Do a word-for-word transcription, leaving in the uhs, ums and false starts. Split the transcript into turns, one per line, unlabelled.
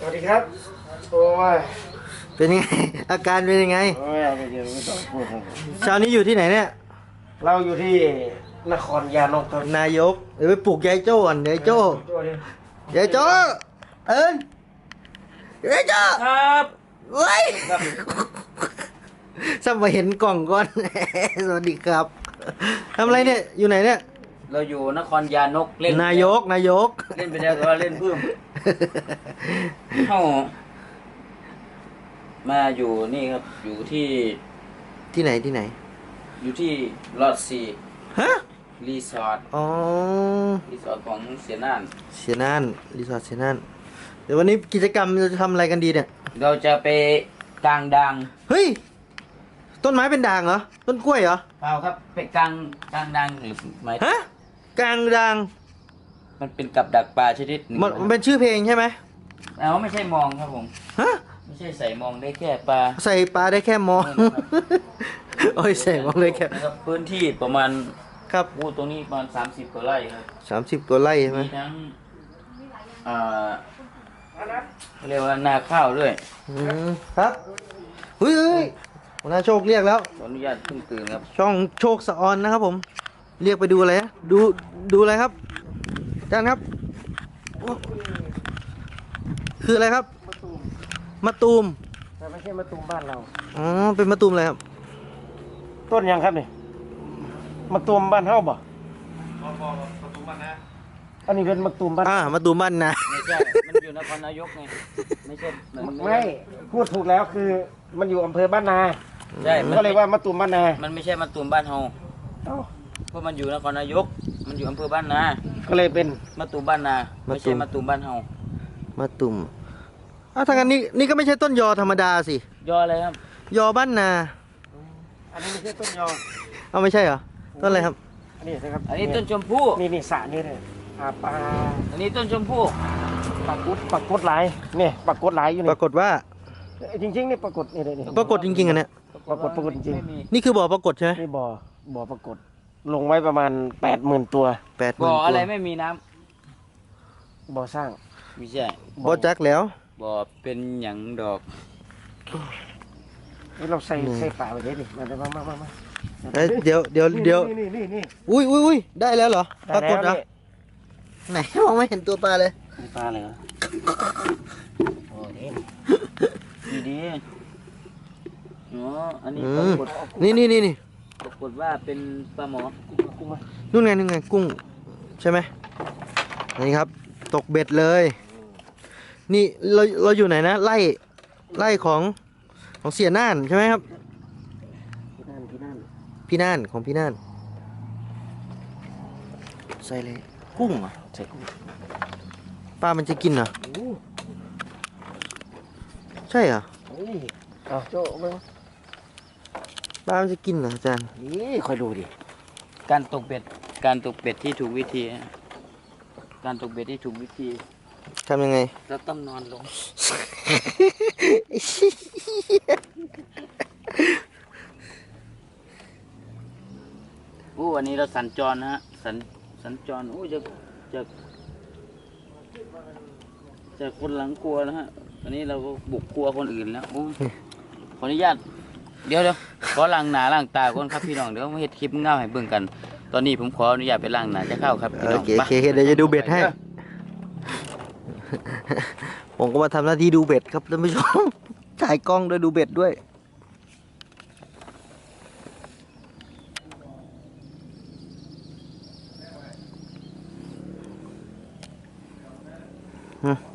วัสดีครับโอ้ย
เป็นยังไงอาการเป็นยังไง
โอ้ยไม่เดี๋ยวไม่ต้องพูดครับ
เช้านี้อยู่ที่ไหนเนี่ย
เราอยู่ที่นครยานกครับ
นายกเดี๋ยวไปปลุกยายโจ้ก่อนยายโจ้ยายโจ้เอิญยายโจ้
ครับ
เว้ยซ้ำมาเห็นกล่องก่อน สวัสดีครับทำอะไรเนี่ยอยู่ไหนเนี่ย
เราอยู่นครยานกเล่น
นายกนายก
เล่นไปแล้วก็เล่นเพิ่มเข้ามาอยู่นี่ครับอยู่ที่
ที่ไหนที่ไหน
อยู่ที่ลอดซี
ฮะ
รีสอร์ท
อ๋อ
รีสอร์ทของเสียน่าน
เสียน่านรีสอร์ทเสียน่านเดี๋ยววันนี้กิจกรรมเราจะทำอะไรกันดีเนี่ย
เราจะไปกลางดัง
เฮ้ยต้นไม้เป็นด่างเหรอต้นกล้วยเหรอ
เปล่าครับไปกลางกลางดังหรือไม่
ฮะกลางด่าง
มันเป็นกับดักปลาชนิดหนึ่ง
มันเป็นชื่อเพลงใช่ไหม
เอาไม่ใช่มองครับผม
ฮะ
ไม่ใช่ใส่มองได้แค่ปลา
ใส่ปลาได้แค่มองโอ้ยใส่มองได้แค่
นะครับพื้นที่ประมาณ
ครับ
วูตรงนี้ประมาณสามสิบกว่าไร่ครับ
สามสิบกว่าไร่ใช่ไหม
มีทั้งอ่าเรียกว่านาข้าวด้วย
อืมครับเฮ้ยเฮ้ยหัวหน้าโชคเรียกแล้ว
ขออนุญาตเพิ่งตื่นครับ
ช่องโชคสะออนนะครับผมเรียกไปดูอะไรนะดูดูอะไรครับอาจารย์ครับคืออะไรครับมะตูม
แต่ไม่ใช่มะตูมบ้านเรา
อ๋อเป็นมะตูมอะไรครับ
ต้นยังครับนี่มะตูมบ้านเฮาบ่อันนี้เป็นมะตูมบ้าน
อ่ามะตูมบ้านนะ
ไม่ใช่มันอยู่นครนายกไงไม่ใช่
ไม่พูดถูกแล้วคือมันอยู่อำเภอบ้านนา
ใช่
ก็เลยว่ามะตูมบ้านนา
มันไม่ใช่มะตูมบ้านเฮา
เอ้า
เพราะมันอยู่นครนายกมันอยู่อำเภอบ้านนา
ก็เลยเป็น
มะตูมบ้านนาไม่ใช่มะตูมบ้านเฮาม
ะตูมอ้าวทางนั้นนี่นี่ก็ไม่ใช่ต้นยอธรรมดาสิ
ยออะไรครับ
ยอบ้านนา
อันนี้ไม่ใช่ต้นยอ
เอาไม่ใช่เหรอต้นอะไรครับ
อันนี้นะครับ
อันนี้ต้นชมพู่
นี่นี่สระนี่เลยอ่าปลา
อันนี้ต้นชมพู่
ปลากดปลากดหลายนี่ปลากดหลายอยู่นี่
ปรากฏว่า
จริงๆนี่ปรากฏนี่เลยนี่
ปรากฏจริงๆอันเนี้ย
ปรากฏปรากฏจริง
นี่คือบ่อปรากฏใช่ไหม
นี่บ่อบ่อปรากฏลงไว้ประมาณแปดหมื่นตัว
แปดหมื่น
บ่อ
ตัว
อะไรไม่มีน้
ำบ่อสร้าง
ไม่ใช่
บ่อจักแล้ว
บ่อเป็นหยังดอก
นี่เราใส่ใส่ปลาไปเลยดิมามามามามา
เดี๋ยวเดี๋ยวเดี๋ยว
นี่นี่นี่
อุ้ยอุ้ยอุ้ยได้แล้วเหรอปรากฏเหรอไหนมองไม่เห็นตัวปลาเลย
ปลาเลยเหรอโอ้ดี
ดีดีอ๋ออันนี้ปรากฏ
นี่นี่นี่นี่
ปรากฏว่าเป็นปลาหมอ
นู่นไงนู่นไงกุ้งใช่ไหมนี่ครับตกเบ็ดเลยนี่เราเราอยู่ไหนนะไล่ไล่ของของเสียน่านใช่ไหมครับ
พี่น่านพี่น่าน
พี่น่านของพี่น่านใส่เลยกุ้งอ่ะ
ใส่กุ้ง
ปลามันจะกินเหรอใช่เหรอ
เอาโจ้ไป
ปลามันจะกินเหรออาจารย์
นี่คอยดูดิ
การตกเบ็ดการตกเบ็ดที่ถูกวิธีการตกเบ็ดที่ถูกวิธี
ทำยังไง
เราต้องนอนลงโอ้วันนี้เราสัญจรนะฮะสัญสัญจรโอ้จะจะจะคนหลังกลัวนะฮะวันนี้เราก็บุกกลัวคนอื่นแล้วโอ้ขออนุญาตเดี๋ยวเดี๋ยวขอล้างหน้าล้างตาก่อนครับพี่น้องเดี๋ยวมาเฮ็ดคลิปเงาให้เบิ่งกันตอนนี้ผมขออนุญาตไปล้างหน้าจะเข้าครับพี่น้อง
โอเคโอเคเดี๋ยวจะดูเบ็ดให้ผมก็มาทำหน้าที่ดูเบ็ดครับท่านผู้ชมถ่ายกล้องด้วยดูเบ็ดด้วยอืม